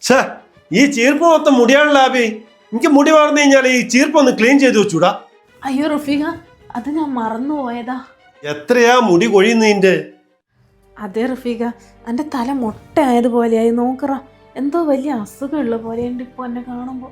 ഛേ, ഈ ചീർപ്പ് മൊത്തം മുടിയാണല്ലോ ലാബി. എനിക്ക് മുടി വളർന്നു കഴിഞ്ഞാൽ ഈ ചീർപ്പ് ഒന്ന് ക്ലീൻ ചെയ്ത് വെച്ചൂടാ? അയ്യോ റഫീഖ, അത് ഞാൻ മറന്നു പോയതാ. എത്രയാ മുടി കൊഴിയുന്നതിന്റെ? അതെ റഫീഖ, എൻ്റെ തല മൊട്ടയായതുപോലെയായി. നോക്കറ, എന്തോ വലിയ അസുഖമുള്ള പോലെയുണ്ട് ഇപ്പൊ എന്നെ കാണുമ്പോ.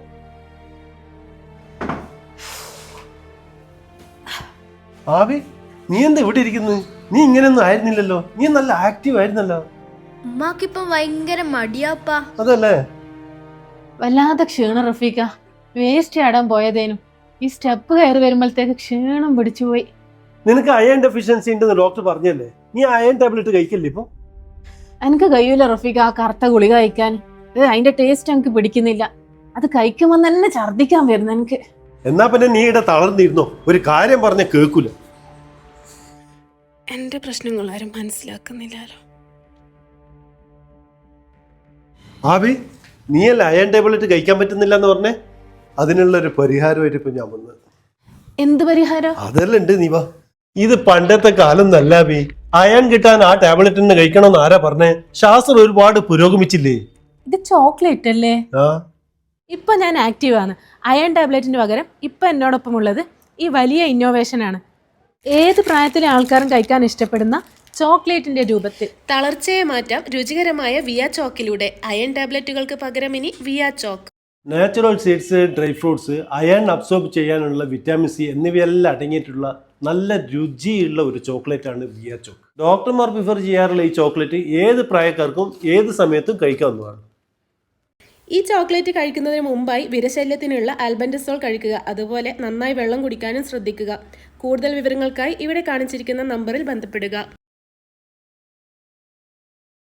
ആവി, നീ എന്താ ഇവിടെ ഇരിക്കുന്നത്? നീ ഇങ്ങനെയൊന്നും ആയിരുന്നില്ലല്ലോ. നീ നല്ല ആക്റ്റീവ് ആയിരുന്നല്ലോ. ഉമ്മാക്കിപ്പം ഭയങ്കര മടിയാപ്പാ. അതല്ലേ? വല്ലാതെ ക്ഷീണം റഫീഖ. വേസ്റ്റ് ആടാൻ പോയതേനും ഈ സ്റ്റെപ്പ് കയറി വരുമ്പോഴത്തേക്ക് ക്ഷീണം പിടിച്ചു പോയി. നിനക്ക് അയൺ ഡെഫിഷ്യൻസി ഉണ്ടെന്ന് ഡോക്ടർ പറഞ്ഞല്ലേ? നീ അയൺ ടാബ്ലറ്റ് കഴിക്കല്ലേ ഇപ്പൊ? എനിക്ക് കഴിയൂല റഫീഖ ആ കറുത്ത ഗുളിക കഴിക്കാൻ. അതിന്റെ ടേസ്റ്റ് എനിക്ക് പിടിക്കുന്നില്ല. അത് കഴിക്കുമ്പോൾ തന്നെ ഛർദിക്കാൻ വരുന്നു എനിക്ക്. എന്നാ പിന്നെ നീ ഇവിടെ തളർന്നിരുന്നോ? ഒരു കാര്യം പറഞ്ഞ കേൾക്കൂല. എന്റെ പ്രശ്നങ്ങൾ ആരും മനസ്സിലാക്കുന്നില്ലല്ലോ. ആവി, നീയല്ല അയൺ ടാബ്ലറ്റ് കഴിക്കാൻ പറ്റുന്നില്ല എന്ന് പറഞ്ഞേ? അതിനുള്ള ഒരു പരിഹാരമായിട്ട് ഇപ്പൊ ഞാൻ വന്നത്. എന്ത് പരിഹാരം? അതെല്ലാം ഉണ്ട്. നീ വാ. ഇത് പണ്ടത്തെ കാലം നല്ല ബി. അയൺ കിട്ടാൻ ആ ടാബ്ലറ്റ് തന്നെ കഴിക്കണമെന്ന് ആരാ പറഞ്ഞേ? ശാസ്ത്രം ഒരുപാട് പുരോഗമിച്ചില്ലേ? ഇത് ചോക്ലേറ്റ് അല്ലേ? ആ, ഇപ്പൊ ഞാൻ ആക്റ്റീവ് ആണ്. അയൺ ടാബ്ലറ്റിന് പകരം ഇപ്പൊ എന്നോടൊപ്പം ഉള്ളത് ഈ വലിയ ഇന്നോവേഷൻ ആണ്. ഏത് പ്രായത്തിലെ ആൾക്കാരും കഴിക്കാൻ ഇഷ്ടപ്പെടുന്ന ചോക്ലേറ്റിന്റെ രൂപത്തിൽ. തളർച്ചയെ മാറ്റാം രുചികരമായ വിയ ചോക്കിലൂടെ. അയൺ ടാബ്ലറ്റുകൾക്ക് പകരം ഇനി വിയ ചോക്ക്. Natural seeds, dry fruits, iron absorb ചെയ്യാനുള്ള വിറ്റാമിൻ സി എന്നിവയെല്ലാം അടങ്ങിയിട്ടുള്ള നല്ല രുചിയുള്ള ഒരു ചോക്ലേറ്റ് ആണ് വിയ ചോക്ക്. ഡോക്ടർമാർ പ്രിഫർ ചെയ്യാറുള്ള ഈ ചോക്ലേറ്റ് ഏത് പ്രായക്കാർക്കും ഏത് സമയത്തും കഴിക്കാവുന്നതാണ്. ഈ ചോക്ലേറ്റ് കഴിക്കുന്നതിന് മുമ്പായി വിരശല്യത്തിനുള്ള ആൽബൻഡസോൾ കഴിക്കുക. അതുപോലെ നന്നായി വെള്ളം കുടിക്കാനും ശ്രദ്ധിക്കുക. കൂടുതൽ വിവരങ്ങൾക്കായി ഇവിടെ കാണിച്ചിരിക്കുന്ന നമ്പറിൽ ബന്ധപ്പെടുക.